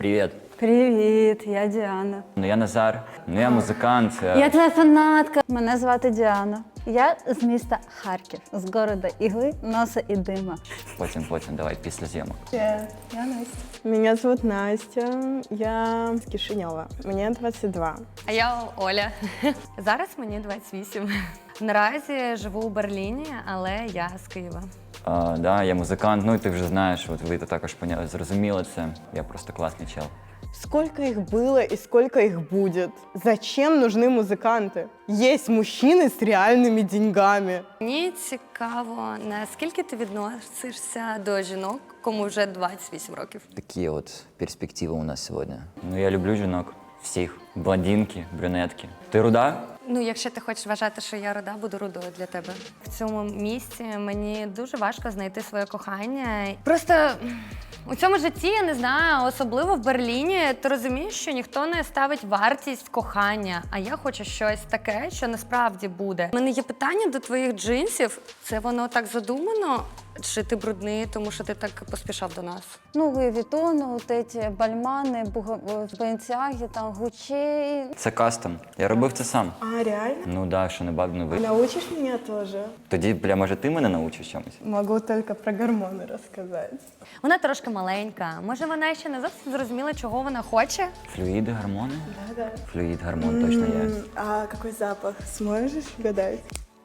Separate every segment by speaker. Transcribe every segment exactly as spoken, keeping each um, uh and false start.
Speaker 1: Привіт.
Speaker 2: Привіт, я Діана.
Speaker 1: Ну я Назар, ну я музикант.
Speaker 2: Я твоя фанатка. Мене звати Діана. Я з міста Харків, з города Ігли, носа і дима.
Speaker 1: Потім, потім, давай, після зйомок.
Speaker 3: Привет, я Настя. Меня зовут Настя, я с Кишинева, мне двадцать два.
Speaker 4: А я Оля. Зараз мені двадцять вісім. Наразі живу у Берліні, але я з Києва.
Speaker 1: А, да, я музикант, ну і ти вже знаєш, от ви також поняли, зрозуміли це. Я просто класний чел.
Speaker 3: Сколько их было и сколько их будет? Зачем нужны музыканты? Есть мужчины с реальными деньгами.
Speaker 4: Мені цікаво, наскільки ти відносишся до жінок, кому вже двадцять вісім років?
Speaker 1: Такі от перспективи у нас сьогодні. Ну я люблю жінок. Всіх. Блондинки, брюнетки. Ти руда?
Speaker 4: Ну, якщо ти хочеш вважати, що я руда, буду рудою для тебе. В цьому місці мені дуже важко знайти своє кохання. Просто у цьому житті, я не знаю, особливо в Берліні, ти розумієш, що ніхто не ставить вартість кохання, а я хочу щось таке, що насправді буде. У мене є питання до твоїх джинсів. Це воно так задумано? Чи ти брудний, тому що ти так поспішав до нас?
Speaker 2: Ну, Луї Вітон, от эти бальмани, Бенціаги, там, Гучей.
Speaker 1: Це кастом. Я робив це сам.
Speaker 3: А, реально?
Speaker 1: Ну да, що не баб, не ви.
Speaker 3: Научишь меня тоже?
Speaker 1: Тоді, бля, може ти мене научиш чомусь?
Speaker 3: Могу только про гормоны рассказать.
Speaker 4: Вона трошки маленька. Може, вона ще не зовсім зрозуміла, чого вона хоче?
Speaker 1: Флюїди, гормони?
Speaker 3: Да-да.
Speaker 1: Флюїд, гормон точно є.
Speaker 3: М, А какой запах? Сможешь угадать?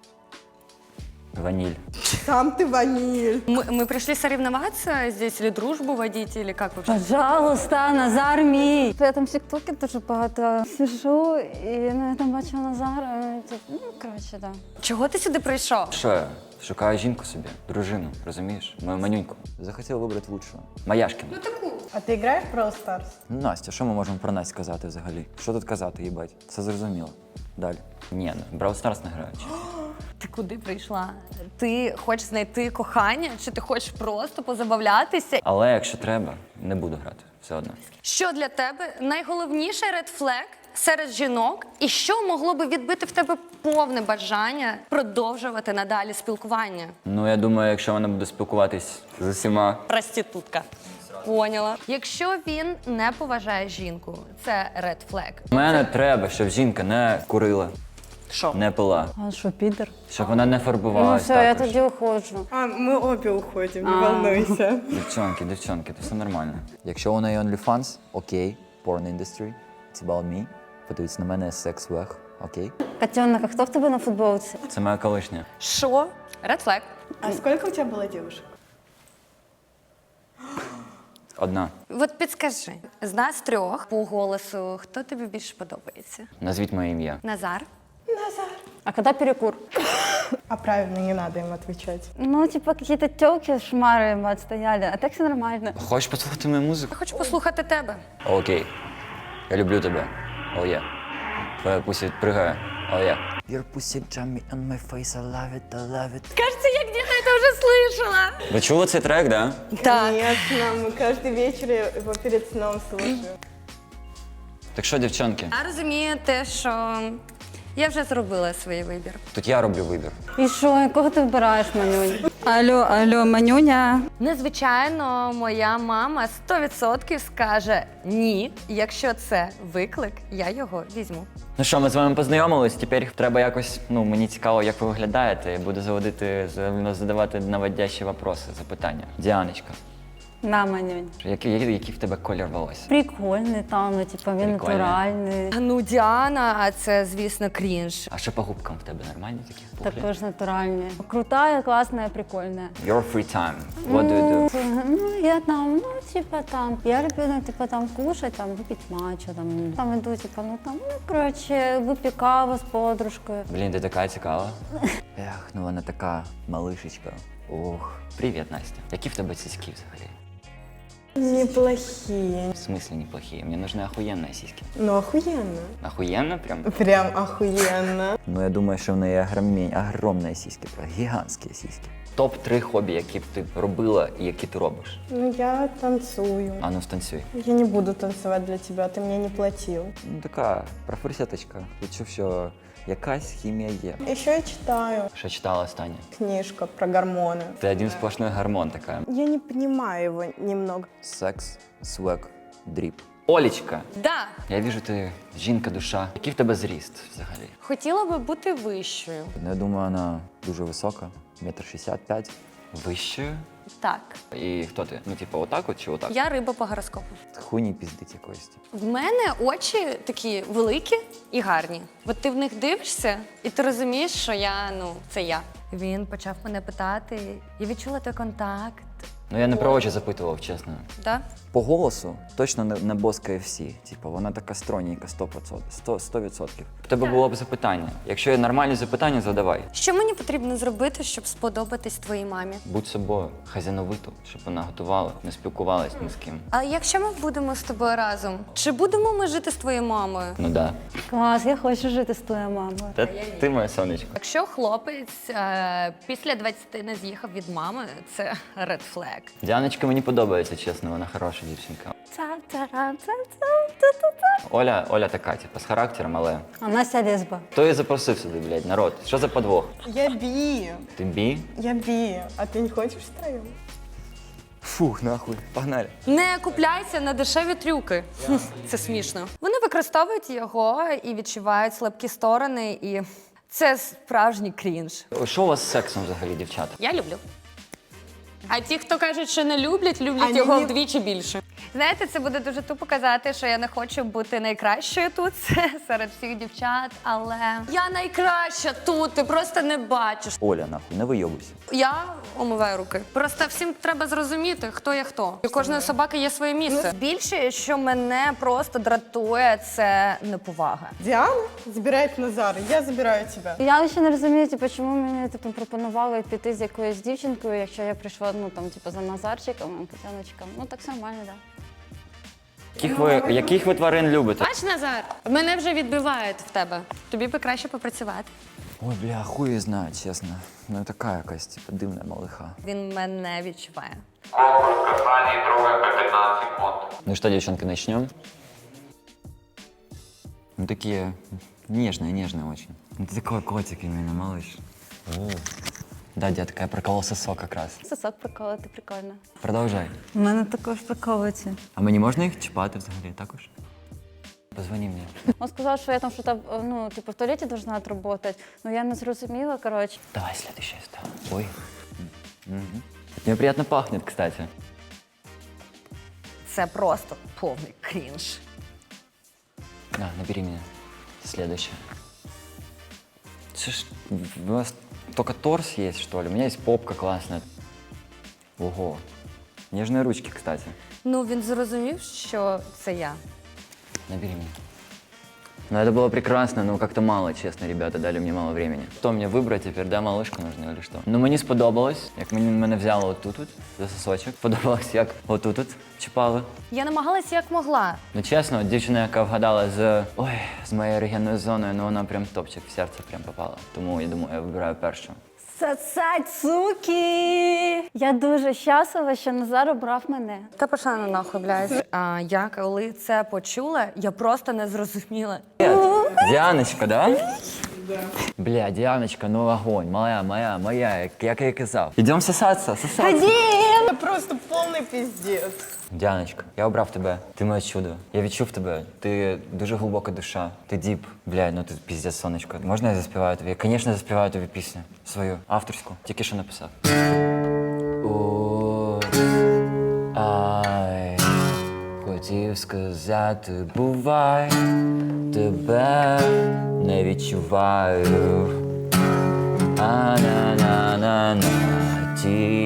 Speaker 1: Ваніль.
Speaker 3: Сам ты ваниль.
Speaker 4: Мы, мы пришли соревноваться здесь или дружбу водить, или как вообще?
Speaker 2: Пожалуйста, Назар мій. Я там в тіктокі дуже багато сижу, і ну, я там бачила Назара. і, Ну, коротше, так.
Speaker 4: Чого ти сюди прийшов?
Speaker 1: Що я? Шукаю жінку собі, дружину, розумієш? Мою манюньку. Захотів вибрати лучшого. Маяшкіна.
Speaker 3: А ты играешь в Brawl Stars?
Speaker 1: Ну, Настя, що ми можемо про Настю сказати взагалі? Що тут казати, їбать? Це зрозуміло. Далі. Ні, ну, Brawl Stars не грають.
Speaker 4: Ти куди прийшла? Ти хочеш знайти кохання, чи ти хочеш просто позабавлятися?
Speaker 1: Але якщо треба, не буду грати. Все одно.
Speaker 4: Що для тебе найголовніший редфлег серед жінок, і що могло би відбити в тебе повне бажання продовжувати надалі спілкування?
Speaker 1: Ну, я думаю, якщо вона буде спілкуватись з усіма.
Speaker 4: Проститутка. Поняла. Якщо він не поважає жінку, це редфлег.
Speaker 1: Мене треба, щоб жінка не курила,
Speaker 4: Що?
Speaker 1: не пила,
Speaker 2: А що, підер?
Speaker 1: щоб вона не
Speaker 2: Ну
Speaker 1: фарбувалась
Speaker 2: все, я
Speaker 1: також.
Speaker 2: тоді уходжу.
Speaker 3: А, мы обе уходим, не
Speaker 2: А.
Speaker 3: волнуйся.
Speaker 1: Дівчонки, дівчонки, то все нормально. Якщо у неї OnlyFans, окей, porn industry, it's about me. Подивіться на мене секс-вех, окей.
Speaker 2: Котенок, а хто в тебе на футболці?
Speaker 1: Це моя колишня.
Speaker 4: Що? Редфлег.
Speaker 3: А сколько у тебя было девушек?
Speaker 1: Одна.
Speaker 4: От підскажи, з нас трьох по голосу, хто тобі більше подобається?
Speaker 1: Назвіть моє ім'я.
Speaker 4: Назар?
Speaker 2: А коли перекур?
Speaker 3: А правильно, не надо им отвечать.
Speaker 2: Ну, типа, какие-то тёлки шмары ему отстояли, а так все нормально.
Speaker 1: Хочеш послухати мою музику?
Speaker 4: Я хочу послухати тебе.
Speaker 1: Окей. Я люблю тебе. О, є. Твоя пуся пригає. О, є. Your pussy jump me on my face, I love it, I love it.
Speaker 4: Кажется, я где-то это уже слышала.
Speaker 1: Ви чули цей трек, да?
Speaker 4: Так.
Speaker 3: Конечно, мы каждый вечер его перед сном слушаем.
Speaker 1: Так що, дівчонки,
Speaker 4: Я розумію те, що я вже зробила свій вибір.
Speaker 1: тут я роблю вибір.
Speaker 2: І що, якого ти вибираєш, Манюнь? Алло, алло, Манюня.
Speaker 4: Незвичайно, моя мама сто відсотків скаже ні. Якщо це виклик, я його візьму.
Speaker 1: Ну що, ми з вами познайомились, тепер треба якось, ну, мені цікаво, як ви виглядаєте. Я буду заводити, задавати наводящі вопроси, запитання. Діаночка,
Speaker 2: На, Манюнь.
Speaker 1: який, який, який в тебе колір волосся?
Speaker 2: Прикольний там, ну, типа, він
Speaker 1: Прикольний.
Speaker 2: натуральний.
Speaker 4: Ну, Діана, а це, звісно, крінж.
Speaker 1: А що по губкам в тебе нормальні такі? пухлі?
Speaker 2: Також натуральний. Крутая, классная, прикольная.
Speaker 1: Your free time. What do you do?
Speaker 2: Ну, я там, ну, типа там, я люблю, ну, типа там кушать, там, выпить матчу, там, там иду, типа, ну, там, ну, короче, выпью каву с подружкой.
Speaker 1: Блін, ти така цікава. Ех, ну вона така малишечка. Ох. Привіт, Настя. Які в тебе сіськи взагалі?
Speaker 3: Неплохие.
Speaker 1: В смысле неплохие? Мне нужны охуенные сиськи.
Speaker 3: Ну, охуенно.
Speaker 1: Охуенно прям?
Speaker 3: Прям охуенно.
Speaker 1: Ну, я думаю, що в неї огромні, огромні сіськи, прям гігантські сіськи. топ три хобі, які б ти робила і які ти робиш.
Speaker 3: Ну, я танцую.
Speaker 1: А ну, станцюй.
Speaker 3: Я не буду танцевать для тебя, ты мне не платил.
Speaker 1: Ну, така профорсяточка. Відчув, що якась хімія є.
Speaker 3: Еще я читаю
Speaker 1: Що читала останнє?
Speaker 3: книжка про гормоны.
Speaker 1: Ти один сплошной гормон така.
Speaker 3: Я не понимаю его немного.
Speaker 1: Секс, свек, дріп. Олічка,
Speaker 4: Да,
Speaker 1: я віжу, ти жінка, душа. Який в тебе зріст взагалі?
Speaker 4: хотіла би бути вищою.
Speaker 1: Ну, я думаю, вона дуже висока, метр шістдесят п'ять. Вищою?
Speaker 4: Так.
Speaker 1: І хто ти? Ну, типу, отак от чи отак?
Speaker 4: Я риба по гороскопу.
Speaker 1: Хуйні піздить якоїсь.
Speaker 4: В мене очі такі великі і гарні. От ти в них дивишся, і ти розумієш, що я, ну, це я. Він почав мене питати, я відчула той контакт.
Speaker 1: Ну, я не про очі запитував, чесно.
Speaker 4: Да?
Speaker 1: По голосу точно не, не Boss кей еф сі. Типу, вона така стройненька, сто відсотків. У тебе було б запитання. Якщо є нормальні запитання, задавай.
Speaker 4: Що мені потрібно зробити, щоб сподобатись твоїй мамі?
Speaker 1: Будь собою, хазяновиту, щоб вона готувала, не спілкувалась ні з ким.
Speaker 4: А якщо ми будемо з тобою разом, чи будемо ми жити з твоєю мамою?
Speaker 1: Ну да.
Speaker 2: Клас, я хочу жити з твоєю мамою.
Speaker 1: Та ти моє сонечко.
Speaker 4: Якщо хлопець е, після двадцяти не з'їхав від мами, це red flag.
Speaker 1: Діаночка мені подобається, чесно, вона хороша дівчинка.
Speaker 2: Ца-ца-ра-ца-ца-ца-ца.
Speaker 1: Оля, Оля така, типу, з характером, але.
Speaker 2: А Настя лесба.
Speaker 1: Хто її запросив сюди, блядь, народ? Що за подвох?
Speaker 3: Я би.
Speaker 1: Ти бі?
Speaker 3: Я би. А ты не хочешь втроем?
Speaker 1: Фух, нахуй, погнали.
Speaker 4: Не купляйся на дешеві трюки. Хм, це смішно. Вони використовують його і відчувають слабкі сторони, і це справжній крінж.
Speaker 1: Що у вас з сексом взагалі, дівчата?
Speaker 4: Я люблю. А ті, хто кажуть, що не люблять, люблять
Speaker 3: Ані
Speaker 4: його
Speaker 3: ні-
Speaker 4: вдвічі більше. Знаєте, це буде дуже тупо казати, що я не хочу бути найкращою тут серед всіх дівчат, але я найкраща тут, ти просто не бачиш.
Speaker 1: Оля, нахуй, не вийобуйся.
Speaker 4: Я омиваю руки. Просто всім треба зрозуміти, хто є хто. У кожної собаки є своє місце. Більше, що мене просто дратує, це неповага.
Speaker 3: Диана забирает Назара, я забираю тебя.
Speaker 2: Я ще не розумію, типу, чому мені типу, пропонували піти з якоюсь дівчинкою, якщо я прийшла ну, там, типу, за Назарчиком, Катяночком. Ну так все нормально, так. Да.
Speaker 1: Яких ви, яких ви тварин любите?
Speaker 4: Бач, Назар, мене вже відбивають в тебе. Тобі би краще попрацювати.
Speaker 1: Ой, бля, хуй знає, чесно. Ну така якась, типу, дивна малиха.
Speaker 4: Він мене відчуває.
Speaker 5: Конкурс касаний трогаем по пятнадцать секунд.
Speaker 1: Ну что, девчонки, начнем? Ну такие нежные, нежные очень. Ну ты такой котик именно, малыш. О. Да, детка, я проколол сосок как раз.
Speaker 2: Сосок приколоти, прикольно.
Speaker 1: Продовжай.
Speaker 2: У мене також приколується.
Speaker 1: А мені можна їх чіпати взагалі також? Позвони мені.
Speaker 2: Він сказав, що я там щось, ну, типу, в туалеті должна отработать. Ну я не зрозуміла, коротше.
Speaker 1: Давай следующее стало. Ой. Угу. Мне приятно пахнет, кстати.
Speaker 4: Це просто повний крінж.
Speaker 1: На, набери меня. Следующее. Це ж, у вас только торс есть, что ли? У меня есть попка классная. Ого. Нежные ручки, кстати.
Speaker 4: Ну, він зрозумів, що це я.
Speaker 1: Набери меня. Ну, это было прекрасно, но как-то мало, честно, ребята, дали мне мало времени. Что мне выбрать теперь, да, малышку нужно или что? Ну, мені сподобалось, як мені мене взяло отут от, за сосочок. Подобалось, як отут от чіпали.
Speaker 4: Я намагалася як могла.
Speaker 1: Ну, чесно, от дівчина, яка вгадала з, ой, з моєю ерогенною зоною, ну, вона прям топчик, в серце прям попала. Тому, я думаю, я вибираю першу.
Speaker 2: Сацацуки! Я дуже щаслива, що Назар обрав мене.
Speaker 4: Та пошла на нахуй, блядь. А я коли це почула, я просто не зрозуміла.
Speaker 1: Привет. Діаночка, да? Да. Бля, Діаночка, ну огонь, моя, моя, моя, як, як я і казав. Ідемо сосатися, сосатися.
Speaker 3: Это просто полный пиздец.
Speaker 1: Діаночка, я обрав тебе. Ти моє чудо. Я відчув тебе. Ти дуже глибока душа. Ти діп. Бля, ну ти піздець, сонечко. Можна я заспіваю тобі? Я, звісно, заспіваю тобі пісню. Свою, авторську. Тільки що написав. О, ай, хотів сказати, бувай, тебе не відчуваю. А-на-на-на-на,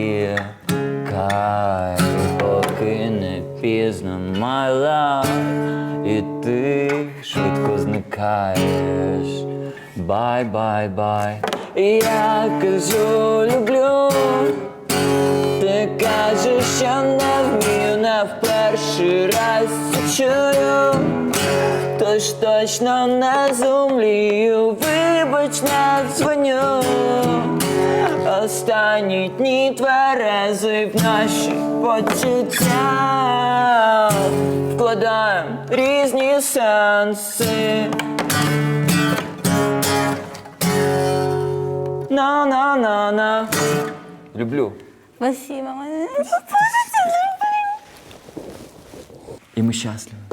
Speaker 1: тікай, поки не пізно, my love, і ти швидко зникаєш. Бай-бай-бай. Я кажу, люблю, ти кажеш, що не вмію, не в перший раз це чую. Тож точно не зумлію, вибач, не дзвоню. Останні дні тверезий в наші почуття вкладаєм різні сенси. На-на-на-на. Люблю.
Speaker 2: Спасибо, мене.
Speaker 1: І ми щасливі.